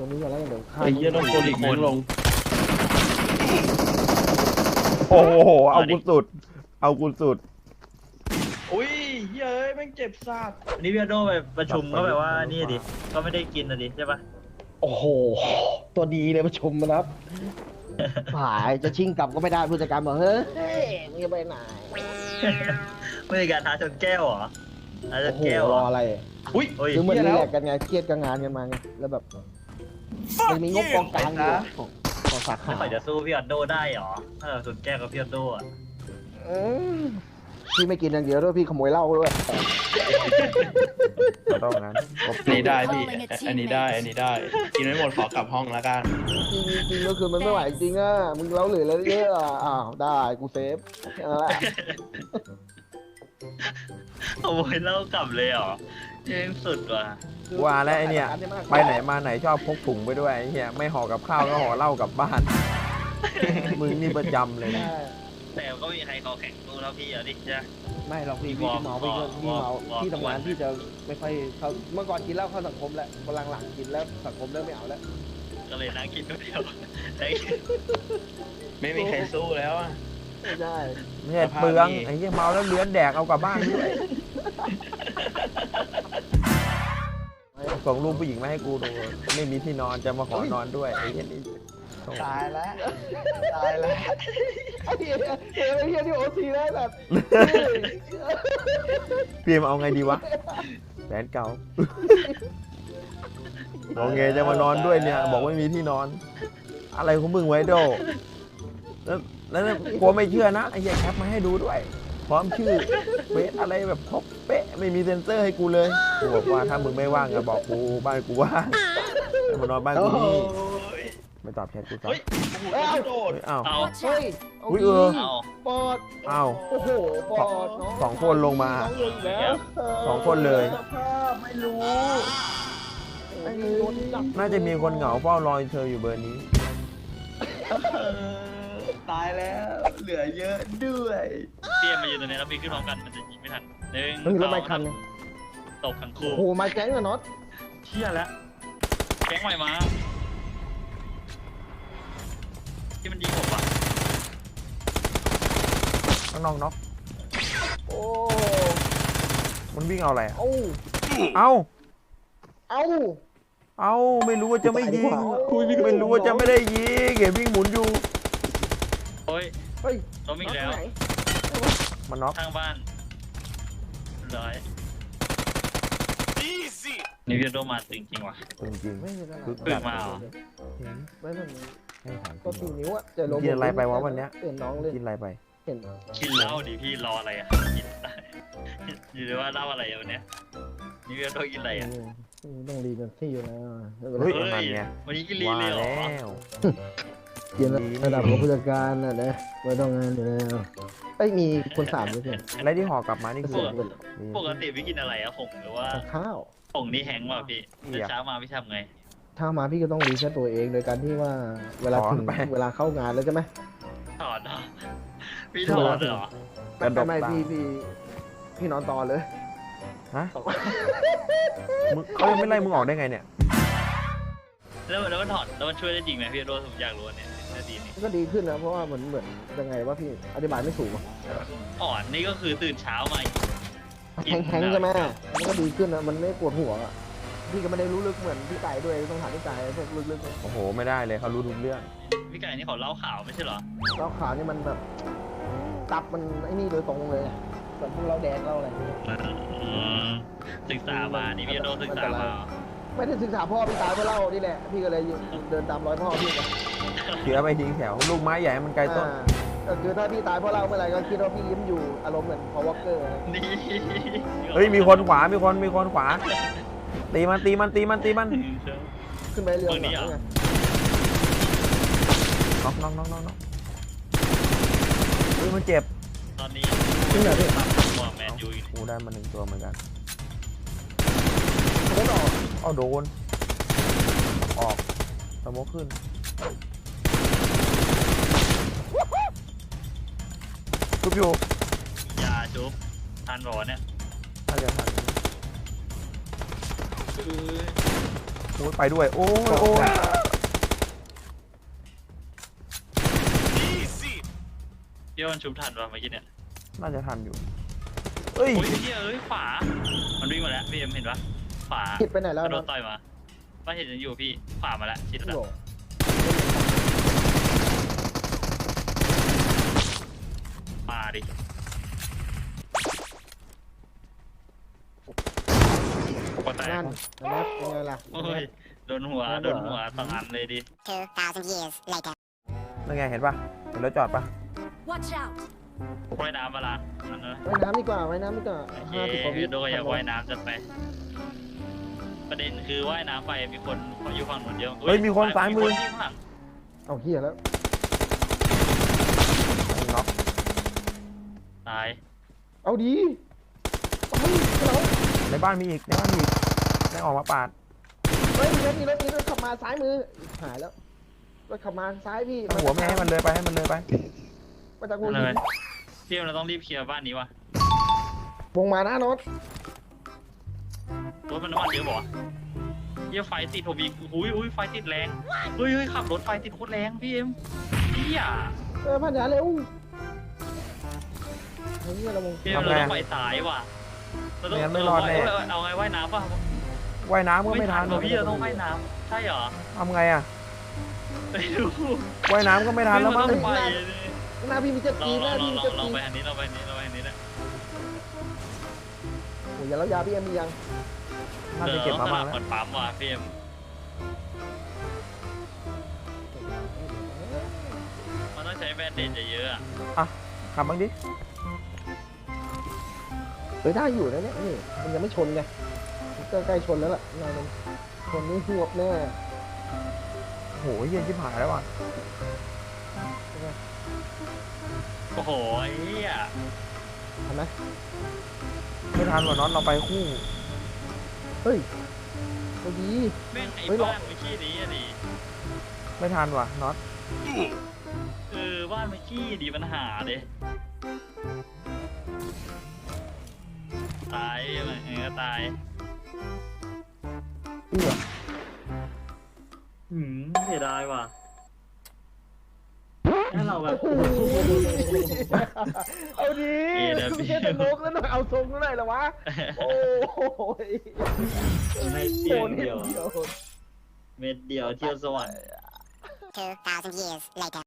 รงนี้ก่อนแล้วเดี๋ยวข้าไอ้เหี้ยต้องโกลิกแม่งลงโอ้โหเอากูสุดเอากูสุดอุ้ยเฮ้ยแม่งเจ็บซาดอันนี้พี่โดไปประชุมก็แบบว่านี่ดิก็ไม่ได้กินนะดิใช่ปะโอ้โหตัวดีเลยมาชมนะครับหายจะชิงกลับก็ไม่ได้ผู้จัดการบอกเฮ้ยมึงจะไปไหนไม่มีการท้าชนแก้วเหรอท้าชโอ้นโหแก้วรเหรอออะไรอุ้ยโอ้ยคือเหมือนเหี้รียแลแล้วกซ์กันไงเครียดกับงานกันมาไงแล้วแบบมันมีงบกองกลางอยู่ของสาขาไม่ค่อยจะสู้พี่ออนโดได้เหรอถ้าเราชนแก้วกับพี่ออนโดอ่ะอืมพี่ไม่กินอย่างเดียวด้วยพี่ขโมยเหล้าด้วยก็ต้องงั้นอันนี้ได้พี่อันนี้ได้กินไม่หมดขอกลับห้องแล้วกันจริงก็คือมันไม่ไหวจริงอ่ะมึงเล้าเหลือแล้วเยอะอ่ะอ้าวได้กูเซฟแค่นั้นแหละขโมยเหล้ากลับเลยเหรอเจ๊งสุดว่ะว่าแล้วไอเนี่ยไปไหนมาไหนชอบพกถุงไปด้วยไอ้เหี้ยไม่ห่อกับข้าวก็ห่อเหล้ากลับบ้านมึงนี่ประจำเลยนะแต่ก็ไม่มีใครคอแข็งสู้แล้วพี่อ่ะดิจ้ะไม่หรอกพี่วอร์มเมาพี่ก็พี่เมาวอร์มที่ทำงานพี่จะไม่ค่อยเข้าเมื่อก่อนกินเหล้าเข้าสังคมแล้วพลังหลังกินแล้วสังคมเริ่มไม่เอาแล้วก็เลยนั่งกินคนเดียวได้ไม่มีใครสู้แล้วอ่ะไม่ได้ไม่ใช่เปลืองไอ้เหี้ยเมาแล้วเลื้อนแดกเอากลับบ้านด้วยส่งรูปผู้หญิงมาให้กูดูไม่มีที่นอนจะมาขอนอนด้วยไอ้เหี้ยนี่ตายแล้วตายแล้วไอ้เหี้ยไอ้เหี้ยที่โอทีได้แบบเพียมเอาไงดีวะแฟนเก่าบอกไงจะมานอนด้วยเนี่ย บอกไม่มีที่นอน อะไรของมึงไว้โดแล้วกลัวไม่เชื่อนะไอ้เหี้ยแคปมาให้ดูด้วย พร้อมชื่อเป๊ะอะไรแบบครบเป๊ะไม่มีเซ็นเซอร์ให้กูเลยกูบอกว่าถ้ามึงไม่ว่างก็บอกกูบ้านกูว่างให้มานอนบ้านกูนี่ไม่ตอบแชทกูซะเฮ้ยโอ้โหโดดเฮ้ยอ้าวเอาเฮ้ยอุ๊ยเออเอาปอดอ้าวโอ้โหปอดสองคนลงมาน้องลงแล้วสองคนเลยภาพไม่รู้ไม่รู้โดนจับน่าจะมีคนเหงาเฝ้ารอเธออยู่เบอร์นี้ตายแล้วเหลือเยอะด้วยเตรียมมาอยู่ตรงนี้แล้วพี่ขึ้นพร้อมกันมันจะยิงไม่ทันหนึ่งมันมีรถไฟคันไงตกทั้งโอ้คู่โหมาแก๊งอะน็อตเชี่ยแล้วแก๊งใหม่มาที่มันยิงผมอ่ะน้องน็อกโอ้มันวิ่งเอาอะไรอะเอ้าเอ้าเอ้าเอ้าไม่รู้ว่าจะไม่ยิงคุยไม่รู้ไม่รู้ว่าจะไม่ได้ยิงเห็นวิ่งหมุนอยู่โอ้ยเฮ้ยล้มอีกแล้วน็ตไหนมันน็อกข้างบ้านร้อยนี่พี่โดมาจริงๆว่ะจริงไม่เป็นไรคือเพิ่งมาเหรอไม่เป็นไรๆให้ถามก็จริสี่งนิ้วอะเจอลมกินอะไรไปวะวันเนี้ยเห็นน้องเลยกินอะไรไปเห็นกินเหล้าดิพี่รออะไรอ่ะกินอยู่เลยว่าเหล้าอะไรอ่ะวันเนี้ยนี่พี่โดกินอะไรอ่ะต้องรีเป็นที่อยู่แล้วไม่เป็นไรเฮ้ยเฮ้มันยไงวันนี้กินลีว่าเลยเหรอแล้วกินระดับของผู้จัดการน่ะนะไม่ต้องงานอยู่แล้วเอ้ยมีคนสามด้วยเพื่อนอะไรที่ห่อกลับมานี่คือปกติพี่กินอะไรอะผงหรือว่าข้าวผงนี่แห้งว่ะพี่แต่เช้ามาพี่ทำไงถ้ามาพี่ก็ต้องรีเซ็ตตัวเองโดยการที่ว่าเวลาถึงเวลาเข้างานแล้วใช่ไหมถอดเหรอพี่ถอดเหรอไม่พี่นอนต่อเลยฮะมึงเขายังไม่ไล่มึงออกได้ไงเนี่ยแล้วมันถอดแล้วมันช่วยได้จริงไหมพี่โดผมอยากรู้เนี่ยน่าดีนี่ก็ดีขึ้นนะเพราะว่าเหมือนยังไงว่าพี่อธิบายไม่ถูกอะอ่อนนี่ก็คือตื่นเช้ามาแข็งๆใช่ไหมมันก็ดีขึ้นนะมันไม่ปวดหัวอะพี่ก็ไม่ได้รู้ลึกเหมือนพี่ไก่ด้วยต้องถามพี่ไก่พวกลึกๆโอ้โหไม่ได้เลยเขารู้ทุกเรื่องพี่ไก่นี่เขาเล่าข่าวไม่ใช่เหรอเราขาวนี่มันแบบตับมันไอ้นี่โดยตรงเลยอะแบบพวกเราแดงเราอะไรศึกษามานี่พี่โดศึกษามาไม่ได้ศึกษาพ่อพี่ตายเพราะเล่านี่แหละพี่ก็เลยเดินตามรอยพ่อพี่นะเชื้อไปทิ้งแถวลูกไม้ใหญ่มันไกลต้นก็คือถ้าพี่ตายเพราะเล่าเมื่อไหร่ก็คิดว่าพี่ยิ้มอยู่อารมณ์เหมือนพอวอลเกอร์นี่เฮ้ยมีคนขวามีคนขวาตีมันขึ้นไปเรือไงน็อกเฮ้ยมันเจ็บตอนนี้ขึ้นเหรอพี่ตัวแมนยูอยู่กูได้มาหนึ่งตัวเหมือนกันเขาบอกเอาโดนออกสโมกขึ้นทุบอยู่ยาจุ๊บทานรอเนี่ยน่าจะทันรอ้ยไปด้วยโอ้ยโอ้ยพี่ว่ามันชุบทันป่ะเมื่อกี้เนี่ยน่าจะทันอยู่เอ้ยโอ้ยพี่เอ้ยขวามันวิ่งมาแล้วพี่เอ็มเห็นปะขวาคิดไปไหนแล้วโดนะนต่อยมาป้าเห็นยังอยู่พี่ขวามาแล้วชิดแล้วโอ้โหมาดิ ปกตินั่นนะครับเป็นไงล่ะโอ้ยโดนหัวสองอันเลยดิ 2,000 years later. นั่นไงเห็นปะเห็นรถจอดปะ Watch out! ว่ายน้ำมาละนั่นนะว่ายน้ำดีกว่าว่ายน้ำดีกว่าโอเค 50 กว่าวิพี่โดอยากว่ายน้ำจัดไป ประเด็นคือว่ายน้ำไปมีคนอยู่ฝั่งนู้นเยอะเฮ้ยมีคนซ้ายมือมีคนข้างหลังเอาเฮียแล้วน็อกตายเอาดีเอาเฮ้ยเราในบ้านมีอีกในบ้านมีอีกได้ออกมาปาดเฮ้ยมีรถขับมาซ้ายมือหายแล้วรถขับมาซ้ายพี่เอาหัวไม่ให้มันเลยไปให้มันเลยไปมาจากวงนั่นหิเลนยพี่เราต้องรีบเคลียร์บ้านนี้ว่ะวงมาหน้ารถรถมันน้ำมันเยอะบ่เยี่ยไฟติดผมอีกอุ้ยไฟติดแรงเฮ้ยขับรถไฟติดโคตรแรงพี่เอ็มเฮียพันยาเร็วเฮ้ยเราวงพี่เอ็มเราต้องไปสายว่ะเราต้องเอาไงว่ายน้ำป่ะว่ายน้ำก็ไม่ทันว่ะพี่เราต้องว่ายน้ำใช่เหรอทำไงอ่ะไปดูว่ายน้ำก็ไม่ทันแล้วมั้งไปหน้าพี่มีเจ็ตลกีองหน้าพี่มีเจ็ตกีไปอันนี้เราไปอันนี้นะโอ้ยยาแล้วยาพี่เอ็มมียังน่าจะเก็บมาบ้างเหแล้วมือนปั๊มว่ะพี่เอ็มมันต้องใช้แบนเดจเยอะๆอ่ะขับบ้างดิเฮ้ยได้อยู่นะเนี่ยนี่มันยังไม่ชนไงก็ใกล้ชนแล้วล่ะนายมันชนนี่หวบแน่โหเย็นชิบหายแล้วว่ะโอ้โหเฮียทำไหมไม่ทันว่ะน็อตเราไปคู่เฮ้ยตัวดีแม่งไอ้เฮ้ยหรอบ้านเมื่อกี้นี้อ่ะดิไม่ทันว่ะน็อตบ้านเมื่อกี้ดีปัญหาเด้ตายมันก็ตายเอื้อเสียดายว่ะถ้าเราแบบเอาดีไม่ใช่แต่โลกแล้วหน่อยเอาทรงแล้วหน่อยเหรอวะโอ้ยไม่เที่ยวเดียว เม็ดเดียวเที่ยวสวรรค์ 2,000 years later.